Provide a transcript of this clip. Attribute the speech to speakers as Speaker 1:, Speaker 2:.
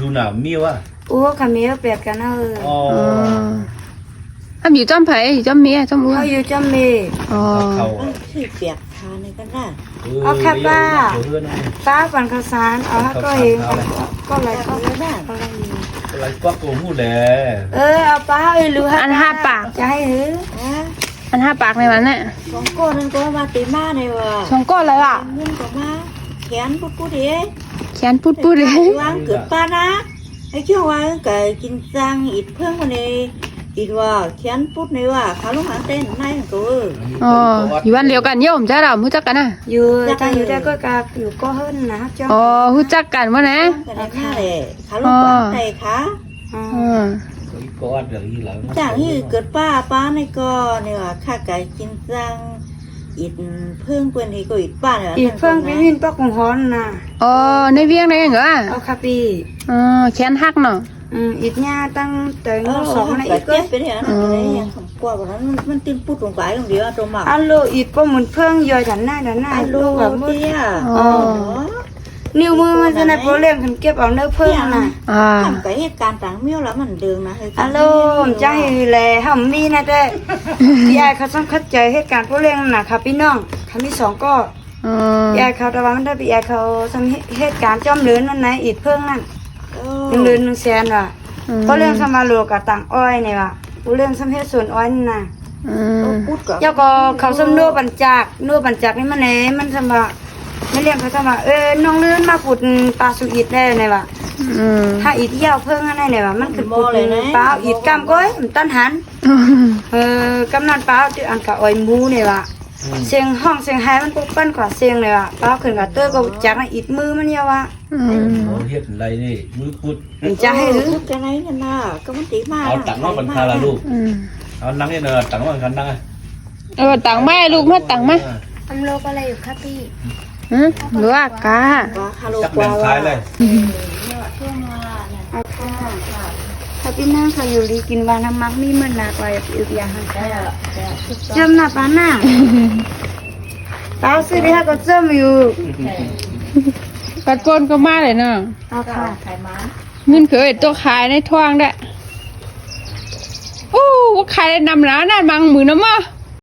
Speaker 1: ดูหนาวมีวะ
Speaker 2: โอ้ขามีเปียกกัน
Speaker 1: อ๋อ
Speaker 3: อยู่จอมไผ่อยู่จอมเมียจอมอ้วน
Speaker 2: เขาอยู่จอมเม
Speaker 3: อ๋อ
Speaker 4: ที่เปียกทานในกันได้
Speaker 2: เอาค่ะป้าปั่นข้าวสารเอาให้ก็เองก็อะไรก็ได้
Speaker 1: อะไรก็โกมูแหละ
Speaker 2: เอาป้ารู้
Speaker 3: อัน5 ปาก
Speaker 2: จะให้หือ
Speaker 3: อัน5 ปากในวันน่ะ
Speaker 4: 2 ก้อนนึงก็มาตีมาในว่ะ
Speaker 3: 2 ก้อนเลยล่ะ
Speaker 4: มึงก็มาแขนปุ๊ดๆเด้
Speaker 3: แขนปุ๊ดๆเด้
Speaker 4: วางเกิดป้านะไอ้เจ้าว่าก็กินจังอีกเพิ่งวันนี้อีกว่าแขนปุ๊ดในว่าขาลูกหางเต้นในก็
Speaker 3: อ๋ออยู่วันเดียวกันโยมจ้าเราฮู้จักกันน่ะ
Speaker 2: อยู่จังอยู่ได้ก็กาอยู่ก็เฮิรนนะจ้า
Speaker 3: อ๋อฮู้จักกันบ่นะ
Speaker 4: กันได้ค่ะแหละขาลูกหางเต้นค่ะ
Speaker 1: ก็วัดอย่างนี้แล้ว
Speaker 4: จากที่เกิดป้าในก็เนี่ยว่าข้าไก่กินจังอีกเพิ่งเปิ้นนี่ก็อีกป้าเนี่ย
Speaker 2: อีกเพิ่งไปวินปักของฮ้อนน่ะ
Speaker 3: อ๋อในเวียงได้เหรอ
Speaker 2: เอาค่ะปี
Speaker 3: แขนหักเนาะ
Speaker 2: อีกเนี่ยตั้งแต่ง2นะอีกก็
Speaker 4: เป็นอย่างนั้นอะไรอย่างคำกว่านั้นมันติ้นปุ๊ดลงไปตรงเดียวตรงมา
Speaker 2: อัลโลอีกก็เหมือนเพิ่งย่อยดันหน้า
Speaker 4: อัลโลแบบเตี้ย
Speaker 2: นิ้วมือมันจะในโปรเล็มกันเก็บเอาเนื้อเพิ่งน่ะ
Speaker 4: ทำกับเหตุการณ์ต่างเมี่ยวแล้วมันเดิมนะ
Speaker 2: อัลโลจะให้แลห้ามมีนะแต่ยายเขาต้องเข้าใจเหตุการณ์โปรเล็มน่ะค่ะพี่น้องเขามี2ก็ยายเขาแต่ว่ามันได้ไปยายเขาทำเหตุการณ์จอมเลือนนั่นไหนอีกเพิ่งนั่น1 เดือน 1 แสนว่ะเพราะเรื่องสมาโลกับต่างอ้อยเนี่ยว่ะเรื่องสมเหตุส่วนอ้อยนี่น่ะเจ้าก็เขาสมนัวบัญจักนี่มันไหนมันสมาไม่เรียกเขาสมาน้องเลื่อนมาขุดปลาสุอิดได้เนี่ยว่ะถ้าอีกเที่ยวเพิ่งอะไรเนี่ยว่ะมันคือขุดปลาอีกกำก้อยมันตั้นหันกำนันปลาที่อันกับอ้อยมูเนี่ยว่ะเสียงห้องเสียงไห้มันปุ๊บปั้นกว่าเสียงเลยว่ะปลาขึ้นกับเตอร์ก็จักอีกมือมันเนี่ยว่ะ
Speaker 1: เฮ็ดอะไรนี่มือพุด
Speaker 2: จะให้หรือ
Speaker 4: จะไหนนั่นน่ะก็มันตีมา
Speaker 1: เอาตังค์มาบรรทาละลูกเอานั่งนี่เนอะตังค์มาบรรทานั่ง
Speaker 3: ตังค์แม่ลูกมาตังค์มา
Speaker 2: ทำโลกอะไรอยู่ครับพี่
Speaker 3: หรือว่ากา
Speaker 1: จักแบ่งขายเลย
Speaker 2: ถ้าพี่นั่งเขาอยู่ดีกินวาน้ำมักมีมันหนักกว่าอีกอย่างเจิมหน้าป้าหน้าป้าซื้อได้ก็เจิมอยู่
Speaker 3: ปัดปนก็มาเลยเนาะ
Speaker 2: เอาค่ะ
Speaker 3: เงินเคยตัวขายในท้องได้โอ้ว่าขายได้นำร้านนั่นบางมือน้ำมา